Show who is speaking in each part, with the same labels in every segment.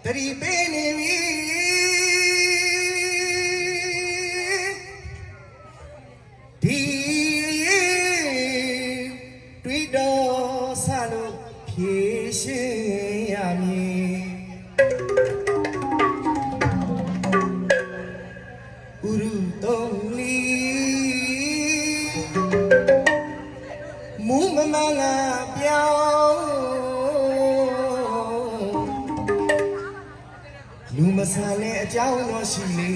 Speaker 1: ရီပေးနေပြီဒီတွေ့တော့ဆလို့ဖြေရှင်းရမည်ဥရုတုံးလီမူမမငါပြောင်းလူမဆန်တဲ့အကြောင်းတော့ရှိလေ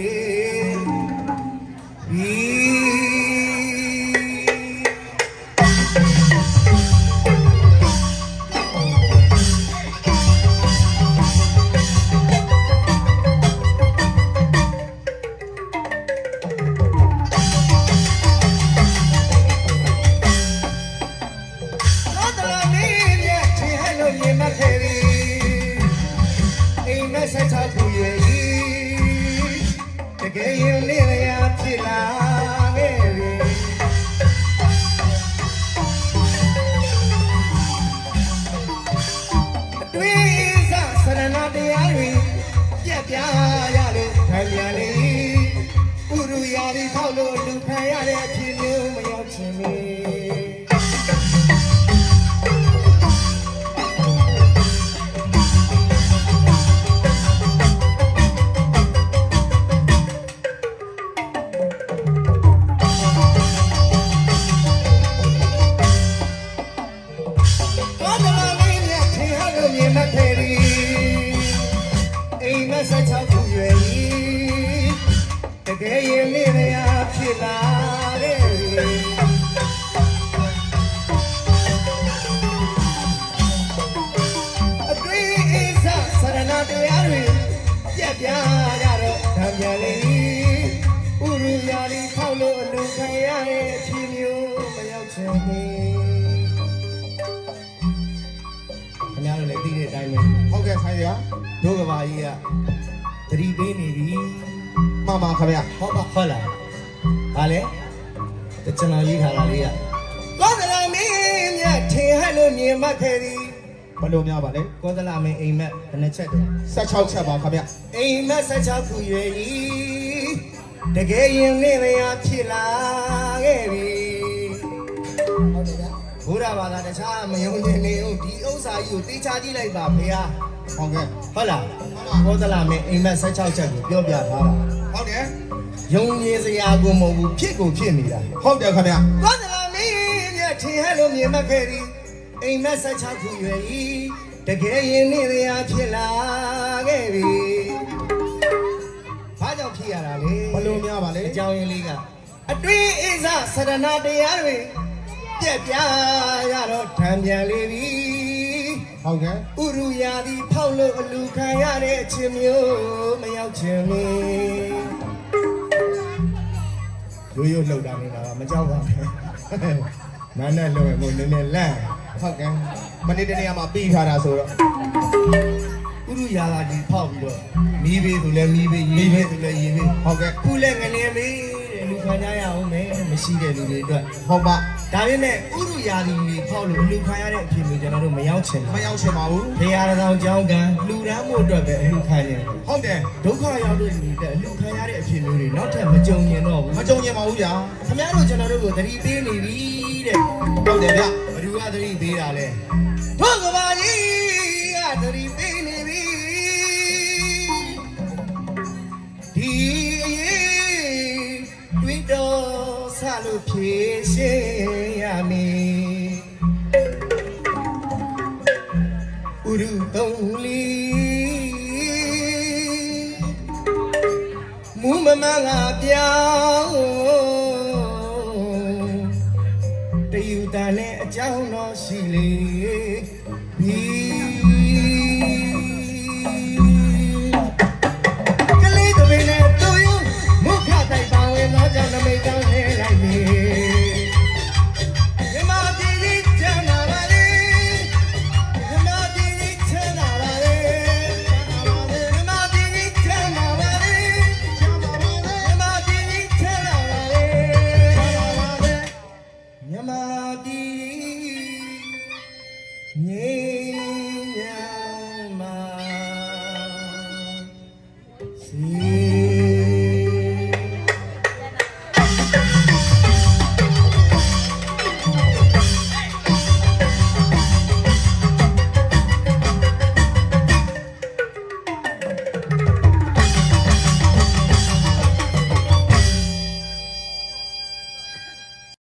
Speaker 1: တို့ကဘာကြီးကသတိပေးနေပြီမှန်ပါခင်ဗျာဟုတ်လားဟာလေကျွန်တော်ရေးထားတာလေးကကောသလမင်းမြတ်ထင်ဟလို့မြင်မှတ်ခဲ့သည်ဘယ်လိုများပါလဲကောသလမင်းအိမ်မက်ဘယ်နှချက်တယ်16ချက်ပါခင်ဗျာအိမ်မက်16ခုရွယ်ဤတကယ်ရင်လင်းလျာဖြစ်လာခဲ့ပြီဟုတ်တယ်ဗျာဘုရားဘာသာတခြားမယုံကြည်နေဦးဒီဥစ္စာကြီးကိုသိချကြည့်လိုက်ပါဖေဟာဟုတ်ကဲ့ဟုတ်လားဘောသလာမင်းအိမ်မက်16ချက်ကိုပြောပြထားတာဟုတ်တယ်ယုံကြည်စရာကိုမဟုတ်ဘူးဖြစ်ကိုဖြစ်နေတာဟုတ်တယ်ခင်ဗျာဘောသလာမင်းရဲ့ထင်ဟလို့မြင်မှတ်ခဲ့သည်အိမ်မက်16ခုရွယ်ဤတကယ်ရင်နေရဖြစ်လာခဲ့ပြီဘာကြောင့်ဖြစ်ရတာလဲဘလို့များပါလဲအကြောင်းရင်းလေးကအတွင်းအိဇဆရဏတရားတွေပြက်ပြားရတော့ထံပြန်လေပြီဟုတ်ကဲ့ဥရုယာဒီဖောက်လို့အလူခံရတဲ့အချင်းမျိုးမရောက်ချင်လေရိုးရိုးလှုပ်တာနေတာမကြောက်ပါနဲ့နားနဲ့လှုပ်ရင်ကိုနည်းနည်းလန့်ဟုတ်ကဲ့မနေ့တနေ့မှပြီးထားတာဆိုတော့ဥရုယာဒီဖောက်ပြီးတော့မီးပေးဆိုလဲမီးပေးရေပေးဆိုလဲရေပေးဟုတ်ကဲ့ခုလဲငလင်းပေးလူခံကြရအောင်မယ်မရှိတဲ့လူတွေအတွက်ဟုတ်ပါဒါပေမဲ့ဥရုယာဒီတွေဖောက်လို့လူခံရတဲ့အဖြစ်မျိုးကျွန်တော်တို့မရောက်ချင်ပါဘူး။ဖေရတော်ကြောင်းကလူရမ်းမှုအတွက်ပဲအလူခံရတယ်။ဟုတ်တယ်ဒုက္ခရောက်တဲ့လူတွေအလူခံရတဲ့အဖြစ်မျိုးတွေနောက်ထပ်မကြုံမြင်တော့ဘူး။မကြုံမြင်ပါဘူးဗျာ။ခင်ဗျားတို့ကျွန်တော်တို့ကိုသတိပေးနေပြီတဲ့။ဟုတ်တယ်ဗျ။ဘယ်သူကသတိပေးတာလဲ။ဘုရားပါကြီးကသတိပေးနေပြီ။ဒီအရေးတွေ့တော့ဆလို့ဖြေရှင်းရမည်ဥရုတုံးလီမူမမငါပြောင်းတယူတန်နဲ့အကြောင်းတော်ရှိလေပြီကလေးတွေနဲ့တူယူမုခတိုင်ပါဝင်တော့ကြောင့်နမိတ်ကောင်းနေလိုက်ပြီငြိစီ